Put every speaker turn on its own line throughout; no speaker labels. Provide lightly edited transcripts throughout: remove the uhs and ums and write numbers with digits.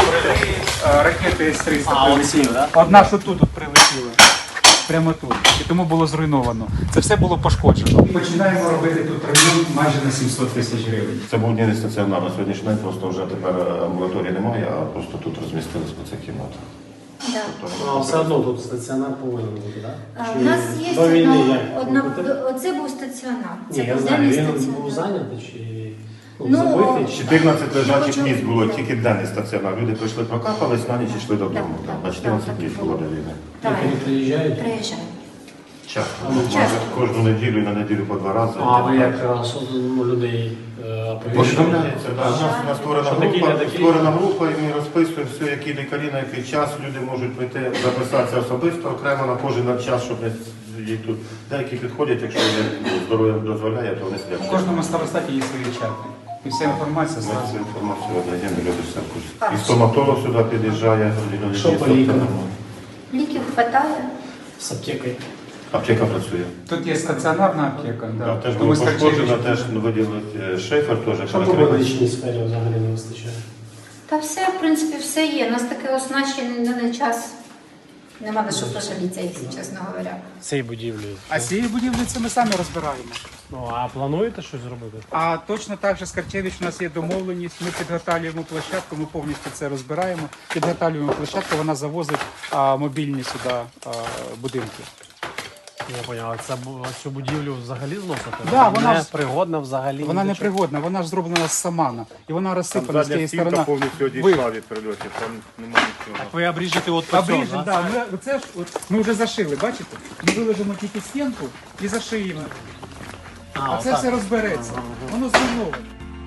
Три ракети С-300
А,
прилетіли.
оці, да?
Одна, що тут от прилетіла. Прямо тут. І тому було зруйновано. Це все було пошкоджено. Починаємо робити тут ремонт майже на 700 тисяч гривень.
Це був не стаціонар на сьогоднішній день, просто вже тепер амбулаторії немає, а просто тут розмістились по цих кімнатах.
Да.
А все одно тут стаціонар повинен бути, так?
У нас є
до війни як?
оце був стаціонар. Це
Ні, я
був
знаю,
денний
він
стаціонар.
був зайнятий чи
Ну,
забитий?
14 лежачих
Чого-
місць було, тільки денний стаціонар. Люди прийшли, прокапались, на ніч йшли додому.
Так,
На 14
так,
днів
так.
було до війни.
Так,
Як вони приїжджають?
приїжджаємо.
Часто.
Часто.
Майже кожну неділю і на неділю по 2 рази.
А ви як людей оповіщуєте?
Повідомляється, да. У нас
Що такі, не такі?
створена група, і ми розписуємо все, які лікарі, на який час люди можуть прийти, записатися особисто, окремо на кожен час, щоб не їх тут. Деякі підходять, якщо здоров'я дозволяє, то вони
В
сидять.
кожному старостаті є свої чати. І вся інформація
Ми
зразу.
цю інформацію надаємо, люди все в курсі. І стоматолог сюди під'їжджає,
Що по лікам?
Ліків хватає.
З аптекою.
Аптека працює.
Тут є стаціонарна аптека.
Да,
Да.
теж
То
було
ми з
пошкоджено,
Харчевичем-
теж виділили шифер, теж
Що по
перекрили.
медичній сфері взагалі не вистачає?
Та все, в принципі, все є. У нас таке оснащений на час. Нема на що пожалітися, якщо чесно говоря.
Цій будівлі.
А цієї будівлі це ми самі розбираємо.
Ну, а плануєте щось зробити?
А точно так же з Карчевич у нас є домовленість. Ми підготовлюємо площадку, ми повністю це розбираємо. Підготовлюємо площадку, вона завозить мобільні сюди будинки.
Я поняв, а цю будівлю взагалі зносити?
Да, вона
не
ж-
пригодна взагалі.
Вона
ні
не
до чого?
пригодна, вона ж зроблена з самана. І вона розсипана з тієї сторони.
повністю
Ви-
від прильотів, там немає нічого.
Так ви обріжете от по цьому,
Обріжемо, да, це ж ми вже зашили, бачите? Ми виложимо тільки стінку і зашиємо. А це
отак.
все розбереться. Воно зруйноване.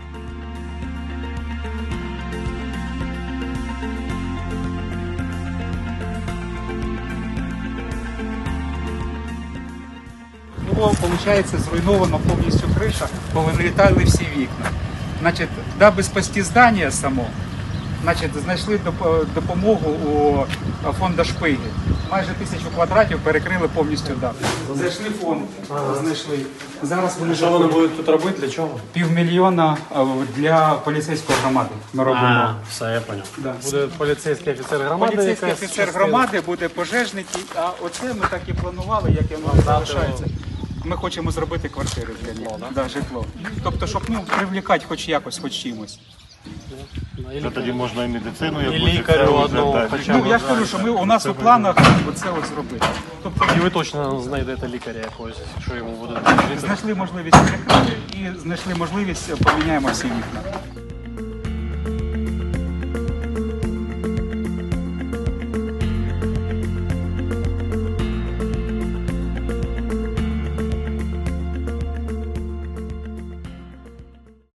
Було, виходить, зруйновано повністю криша, повилітали всі вікна. Значить, даби спасти здання само, значить, знайшли допомогу у фонду Шпиги. Майже 1000 квадратів перекрили повністю дах. Зайшли фонд, знайшли. Зараз вони
Що вони будуть тут робити, для чого?
500 000 для поліцейської громади. Ми робимо.
Все, я поняв.
Да.
Буде поліцейський офіцер громади.
Поліцейський
якась
офіцер
частина.
громади, буде пожежники, а оце ми так і планували, як і воно залишається. Ми хочемо зробити квартири для них, да, житло. Тобто, щоб привлікати хоч якось, хоч чимось.
Це тоді можна і медицину,
І
якусь,
лікарю
це вже,
одного
так.
хоча
Ну
б.
я ж кажу, що у нас у планах оце ось зробити. Тобто
І ви точно знайдете лікаря якогось, якщо йому буде потрібно.
знайшли можливість перекрити і знайшли можливість поміняємо всі вікна.